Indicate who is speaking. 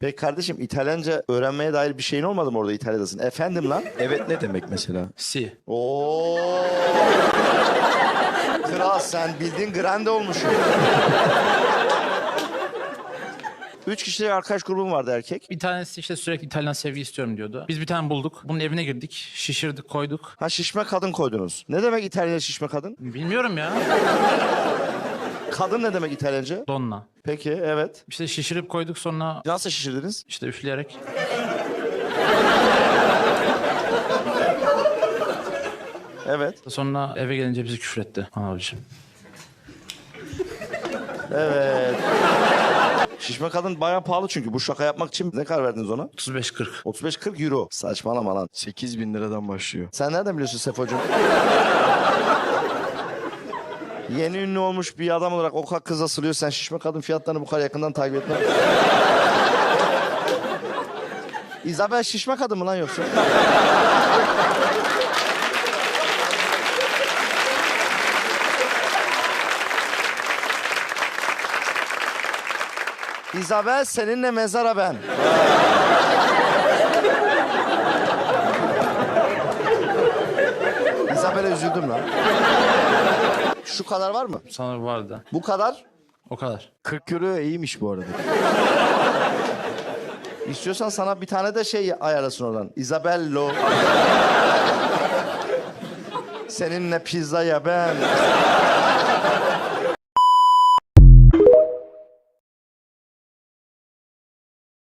Speaker 1: Peki kardeşim İtalyanca öğrenmeye dair bir şeyin olmadı mı orada İtalya'dasın? Efendim lan?
Speaker 2: Evet ne demek mesela?
Speaker 3: Si.
Speaker 1: Oo. Kral sen bildiğin grande olmuşsun. 3 kişilik arkadaş grubum vardı erkek.
Speaker 3: Bir tanesi işte sürekli İtalyan sevgi istiyorum diyordu. Biz bir tane bulduk. Bunun evine girdik. Şişirdik, koyduk.
Speaker 1: Ha şişme kadın koydunuz. Ne demek İtalyanca şişme kadın?
Speaker 3: Bilmiyorum ya.
Speaker 1: Kadın ne demek İtalyanca?
Speaker 3: Donna.
Speaker 1: Peki evet.
Speaker 3: İşte şişirip koyduk sonra
Speaker 1: Nasıl şişirdiniz?
Speaker 3: işte üfleyerek.
Speaker 1: Evet.
Speaker 3: Sonra eve gelince bizi küfretti abiciğim.
Speaker 1: Evet. Şişme kadın bayağı pahalı çünkü. Bu şaka yapmak için ne kadar verdiniz ona?
Speaker 3: 35-40.
Speaker 1: 35-40 euro. Saçmalama lan.
Speaker 2: 8.000 liradan başlıyor.
Speaker 1: Sen nereden biliyorsun Sefocuğum? Yeni ünlü olmuş bir adam olarak o kadar kız asılıyor. Sen şişme kadın fiyatlarını bu kadar yakından takip etme. Isabel şişme kadın mı lan yoksa? Isabel seninle mezara ben. Isabel'e üzüldüm lan. Şu kadar var mı?
Speaker 3: Sanırım vardı.
Speaker 1: Bu kadar.
Speaker 3: O kadar.
Speaker 2: 40 euro iyiymiş bu arada.
Speaker 1: İstiyorsan sana bir tane de şey ayarlasın oradan. Isabello. Seninle pizza ya ben.